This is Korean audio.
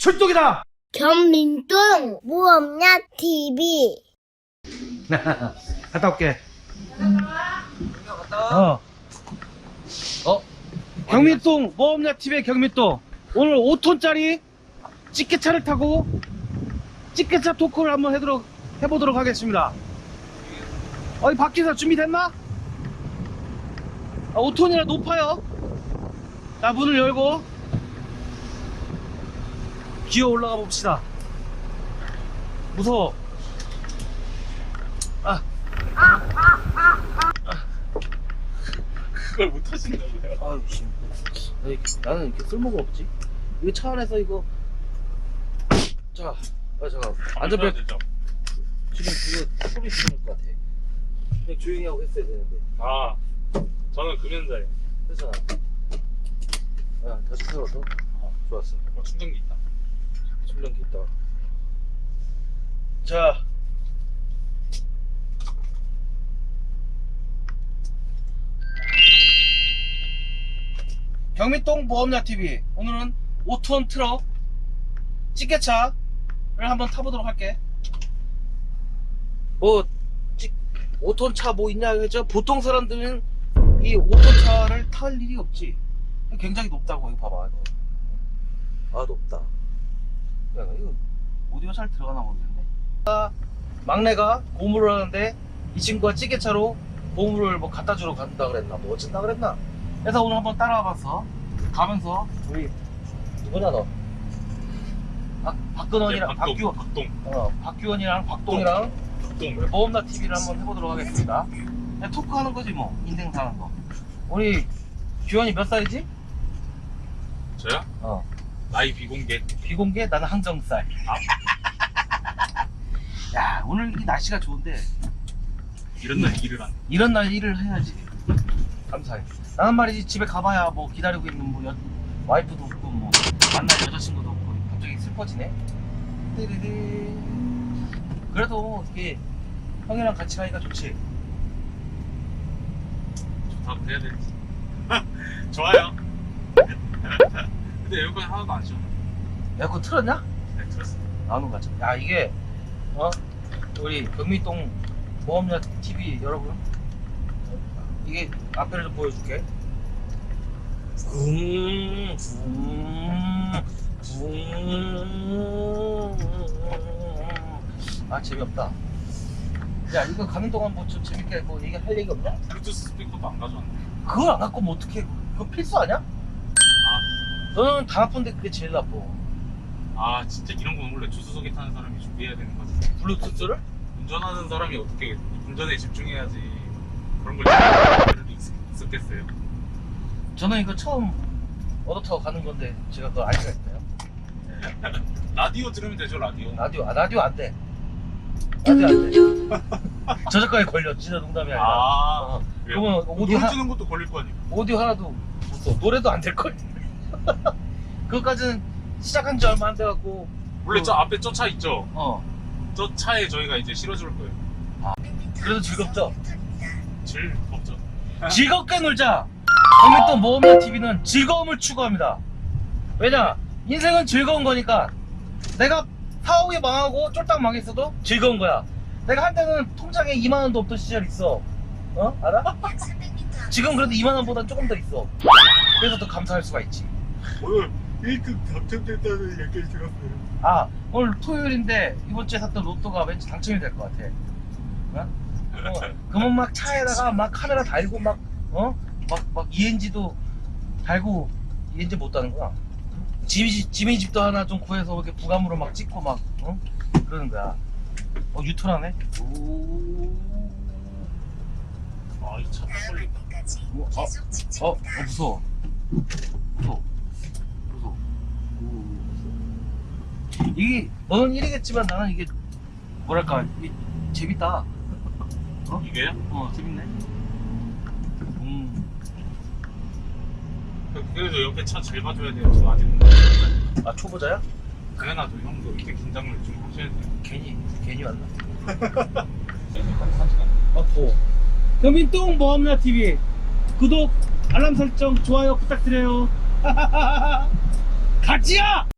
출동이다! 경민동 무엄냐 TV. 갔다 올게. 경민동 뭐없냐 TV의 경민동. 오늘 5톤짜리 찌개차를 타고 찌개차 토크를 한번 해보도록 하겠습니다. 이 밖에서 준비됐나? 5톤이라 높아요. 자, 문을 열고 기어 올라가 봅시다. 무서워. 그걸 못 하신다고요? 아유, 씨. 나는 이렇게 쓸모가 없지. 이거 차 안에서 이거. 자, 잠깐. 안전벨트. 되죠? 지금 그거 소리 들을 것 같아. 그냥 조용히 하고 했어야 되는데. 아, 저는 금연자예요. 됐잖아. 야, 다시 세워서. 좋았어. 충전기 있다. 충전기 있다. 자. 경민동 보험야 TV. 오늘은 5톤 트럭 찌개차를 한번 타보도록 할게. 5톤 차 뭐 있냐 했죠? 보통 사람들은 이 5톤 차를 탈 일이 없지. 굉장히 높다고. 이거 봐봐. 이거. 높다. 야, 이거 오디오 잘 들어가나 모르겠네. 막내가 고무를 하는데 이 친구가 찌개차로 고무를 뭐 갖다 주러 간다 그랬나 뭐 어쩐다 그랬나. 그래서 오늘 한번 따라와 봤어. 가면서 우리 누구냐 너? 박근원이랑 박규원이랑 박동이랑 우리 모험나 TV를 한번 해보도록 하겠습니다. 그냥 토크하는 거지 뭐. 인생 사는 거. 우리 규원이 몇 살이지? 저요? 나이 비공개. 비공개? 나는 항정살. 야, 오늘 이 날씨가 좋은데 이런 날 일을 안 해. 이런 날 일을 해야지. 감사해. 나는 말이지 집에 가봐야 뭐 기다리고 있는 뭐 와이프도 없고 뭐 만날 여자친구도 없고 갑자기 슬퍼지네. 띠리리. 그래도 이게 형이랑 같이 가니까 좋지. 좋다고 해야 되지. 좋아요. 근데 에어컨 하나도 안 시원해. 에어컨 틀었냐? 네, 들었어. 나오는 거 같아. 야, 이게 우리 경민동 모험야 TV 여러분, 이게 앞에를 좀 보여줄게. 재미없다. 야, 이거 가는 동안 뭐 좀 재밌게 뭐 얘기할 얘기 없냐? 블루투스 스피커도 안 가져왔네. 그걸 안 갖고 면 어떡해. 그거 필수 아니야? 너는 다 나쁜데 그게 제일 나빠. 진짜 이런 건 원래 조수석에 타는 사람이 준비해야 되는 거지. 블루투스를? 운전하는 사람이 어떻게 운전에 집중해야지 그런 걸 준비할 필요도 있었겠어요. 저는 이거 처음 얻어 타고 가는 건데 제가 그걸 알 수가 있나요? 라디오 들으면 되죠, 라디오. 라디오 안 돼. 라디오 안 돼. 저작권에 걸려. 진짜 농담이 아니라. 그러면 오디오 노래 주는 것도 걸릴 거 아니에요. 오디오 하나도 못 써. 노래도 안 될 걸. 그것까지는 시작한 지 얼마 안 돼갖고. 원래 저 앞에 저 차 있죠? 저 저 차에 저희가 이제 실어줄 거예요. 그래도 즐겁죠. 즐겁죠. 즐겁게 놀자. 경민동 모험야 TV는 즐거움을 추구합니다. 왜냐? 인생은 즐거운 거니까. 내가 사옥이 망하고 쫄딱 망했어도 즐거운 거야. 내가 한때는 통장에 2만 원도 없던 시절 있어. 알아? 지금 그래도 2만 원보다 조금 더 있어. 그래서 더 감사할 수가 있지. 오늘 1등 당첨됐다는 얘기를 들었어요. 오늘 토요일인데 이번 주에 샀던 로또가 왠지 당첨이 될 것 같아. 그러면 막 차에다가 막 카메라 달고 막 ENG도 달고. ENG 못 다는구나. 지미 집도 하나 좀 구해서 이렇게 부감으로 막 찍고 막 그러는 거야. 유턴하네. 이 차 딱 걸린다. 무서워. 이게 너는 일이겠지만 나는 이게 뭐랄까, 이게 재밌다. 이게요? 재밌네. 그래도 옆에 차 잘 봐줘야 돼요. 저 아직은. 초보자야? 당연하죠. 형도 이렇게 긴장을 좀 하셔야 돼요. 괜히 왔나? 경민동 모험야 TV 구독, 알람 설정, 좋아요 부탁드려요. 같이야!